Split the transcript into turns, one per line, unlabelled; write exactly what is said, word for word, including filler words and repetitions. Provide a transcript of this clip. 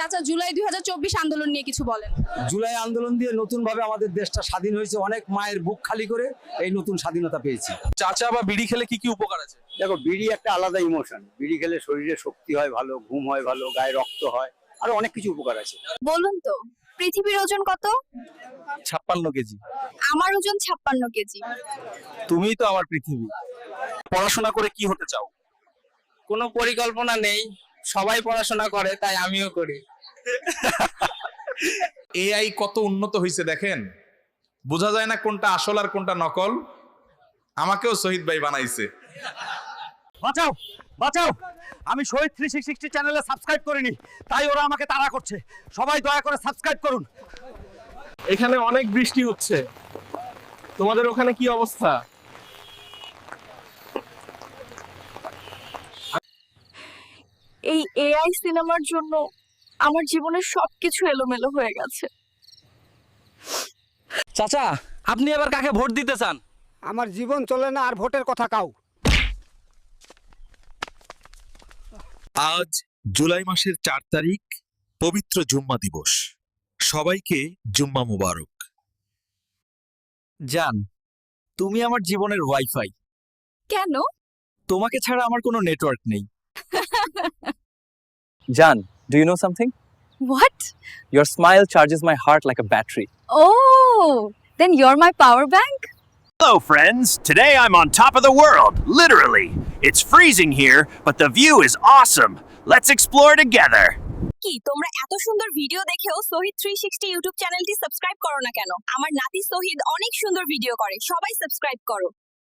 চাচা জুলাই দুই হাজার চব্বিশ আন্দোলন নিয়ে কিছু বলেন।
জুলাই আন্দোলন দিয়ে নতুন ভাবে আমাদের দেশটা স্বাধীন হয়েছে, অনেক মায়ের বুক খালি করে এই নতুন স্বাধীনতা পেয়েছি।
চাচা বা বিড়ি খেলে কি কি উপকার আছে?
দেখো, বিড়ি একটা আলাদা ইমোশন। বিড়ি খেলে শরীরে শক্তি হয় ভালো, ঘুম হয় ভালো, গায়ে রক্ত হয়, আরো অনেক কিছু উপকার আছে।
বলুন তো, পৃথিবীর ওজন কত?
ছাপ্পান্ন কেজি।
আমার ওজন ছাপ্পান্ন কেজি।
তুমিই তো আমার পৃথিবী। পড়াশোনা করে কি হতে চাও?
কোনো পরিকল্পনা নেই, সবাই পড়াশোনা করে তাই আমিও করি।
এআই কত উন্নত হয়েছে দেখেন, বোঝা যায় না কোনটা আসল আর কোনটা নকল। আমাকেও শহীদ ভাই বানাইছে।
বাঁচাও বাঁচাও, আমি শহীদ থ্রি সিক্সটি চ্যানেলে সাবস্ক্রাইব করিনি, তাই ওরা আমাকে তাড়া করছে। সবাই দয়া করে সাবস্ক্রাইব করুন।
এখানে অনেক বৃষ্টি হচ্ছে, তোমাদের ওখানে কি অবস্থা?
এই এআই সিনেমার জন্য আমার জীবনের সবকিছু এলোমেলো হয়ে গেছে।
চাচা, আপনি এবার কাকে ভোট দিতে চান?
আমার জীবন চলে না আর ভোটের কথা কাউ।
আজ জুলাই মাসের চার তারিখ, পবিত্র জুম্মা দিবস। সবাইকে জুম্মা মুবারক।
জান, তুমি আমার জীবনের ওয়াইফাই।
কেন?
তোমাকে ছাড়া আমার কোনো নেটওয়ার্ক নেই। জান, do you know something?
What?
Your smile charges my heart like a battery.
Oh, then you're my power bank?
Hello, friends. Today I'm on top of the world, literally. It's freezing here, but the view is awesome. Let's explore together.
কি তোমরা এত সুন্দর video দেখেও Shahid three sixty YouTube চ্যানেলটি subscribe করো না কেন? আমার নাতি শহীদ অনেক সুন্দর ভিডিও করে, সবাই সাবস্ক্রাইব করো।